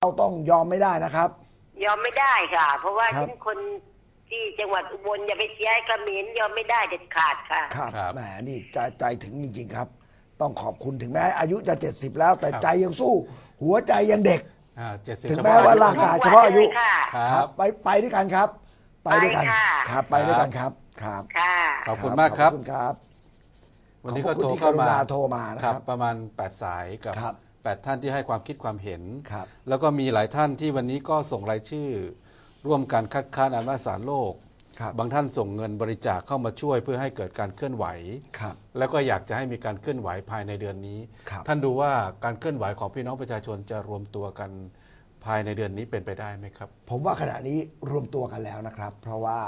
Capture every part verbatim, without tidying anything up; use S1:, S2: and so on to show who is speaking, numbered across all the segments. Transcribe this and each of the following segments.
S1: เราต้องยอมไม่ได้นะครับ
S2: ยอมไม่ได้ค่ะเพราะว่าฉันคนที่จังหวัดอุบลอย่าไปเชียร์ให้เขมรยอมไม่ได้เด็ดขาดค่ะ
S1: ครับแหมนี่ใจใจถึงจริงๆครับต้องขอบคุณถึงแม้อายุจะเจ็ดสิบแล้วแต่ใจยังสู้หัวใจยังเด็กถึงแม้ว่าร่างกายเฉพาะอายุครับไปไปด้วยกันครับไปด้วยกันครับไปด้วยกันครับครับ
S3: ขอบคุณมากครับ
S1: ขอบคุณครับ
S3: วันนี้ก็โทรเข้ามา
S1: โทรมานะครับ
S3: ประมาณแปดสายกับแปดท่านที่ให้ความคิดความเห็น
S1: ครับ
S3: แล้วก็มีหลายท่านที่วันนี้ก็ส่งรายชื่อร่วมการคัดค้านอนุมัติศาลโลกบางท่านส่งเงินบริจาคเข้ามาช่วยเพื่อให้เกิดการเคลื่อนไหวแล้วก็อยากจะให้มีการเคลื่อนไหวภายในเดือนนี้ท่านดูว่าการเคลื่อนไหวของพี่น้องประชาชนจะรวมตัวกันภายในเดือนนี้เป็นไปได้ไหมครับ
S1: ผมว่าขณะนี้รวมตัวกันแล้วนะครับเพราะว่า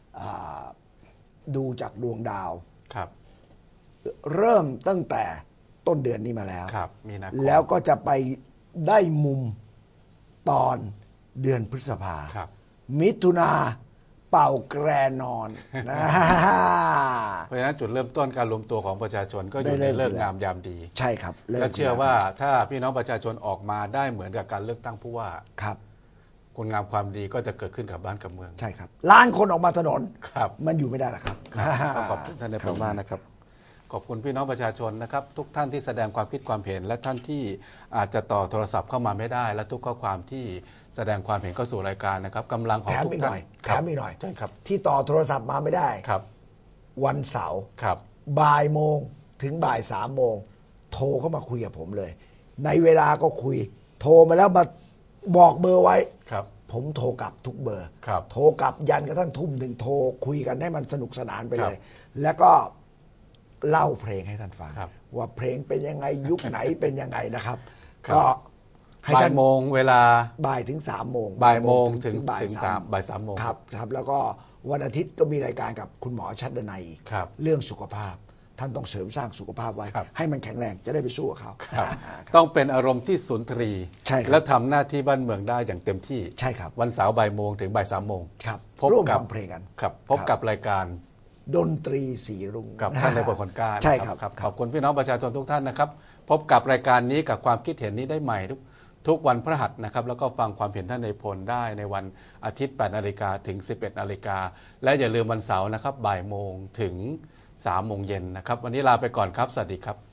S1: ดูจากดวงดาว
S3: ครับ
S1: เริ่มตั้งแต่ต้นเดือนนี้มาแล้ว
S3: ครับมีนาคม
S1: แล้วก็จะไปได้มุมตอนเดือนพฤษภามิถุนาเป่าแกรนอนนะ
S3: เพราะฉะนั้นจุดเริ่มต้นการรวมตัวของประชาชนก็อยู่ในฤกษ์งามยามดี
S1: ใช่ครับ
S3: และเชื่อว่าถ้าพี่น้องประชาชนออกมาได้เหมือนกับการเลือกตั้งผู้ว่า
S1: ครับ
S3: คุณงามความดีก็จะเกิดขึ้นกับบ้านกับเมือง
S1: ใช่ครับล้านคนออกมาถนน
S3: ครับ
S1: มันอยู่ไม่ได้หรอกครับ
S3: ขอบคุณท่านในประมาณนะครับขอบคุณพี่น้องประชาชนนะครับทุกท่านที่แสดงความคิดความเห็นและท่านที่อาจจะต่อโทรศัพท์เข้ามาไม่ได้และทุกข้อความที่แสดงความเห็นเข้าสู่รายการนะครับกำลังของทุกท่าน
S1: แถมอีกหน่อย
S3: ใช่ครับ
S1: ที่ต่อโทรศัพท์มาไม่ได้
S3: ครับ
S1: วันเสาร์
S3: ครับ
S1: บ่ายโมงถึงบ่ายสามโมงโทรเข้ามาคุยกับผมเลยในเวลาก็คุยโทรมาแล้วมาบอกเบอร์ไว้
S3: ครับ
S1: ผมโทรกลับทุกเบอร์
S3: ครับ
S1: โทรกลับยันกระทั่งทุ่มหนึ่งโทรคุยกันให้มันสนุกสนานไปเลยแล้วก็เล่าเพลงให้ท่านฟังว่าเพลงเป็นยังไงยุคไหนเป็นยังไงนะครับก็
S3: บ่ายโมงเวลา
S1: บ่ายถึงสามโมง
S3: บ่ายโมงถึงบ่ายสามบ่ายสามโมง
S1: ครับครับแล้วก็วันอาทิตย์ก็มีรายการกับคุณหมอชัดดนัยเรื่องสุขภาพท่านต้องเสริมสร้างสุขภาพไว้ให้มันแข็งแรงจะได้ไปสู้กับเขา
S3: ต้องเป็นอารมณ์ที่สุนทรีและทำหน้าที่บ้านเมืองได้อย่างเต็มที่
S1: ใช่ครับ
S3: วันเสาร์บ่ายโมงถึงบ่ายสามโมง
S1: พบกับเพลงกัน
S3: ครับพบกับรายการ
S1: ดนตรีสีรุ่ง
S3: กับท่านในบทคนกล้า
S1: ใช่ครับ
S3: ขอบคุณพี่น้องประชาชนทุกท่านนะครับพบกับรายการนี้กับความคิดเห็นนี้ได้ใหม่ทุกทุกวันพฤหัสนะครับแล้วก็ฟังความเห็นท่านในพลได้ในวันอาทิตย์แปดนาฬิกาถึงสิบเอ็ดนาฬิกาและอย่าลืมวันเสาร์นะครับบ่ายโมงถึงสามโมงเย็นนะครับวันนี้ลาไปก่อนครับสวัสดีครับ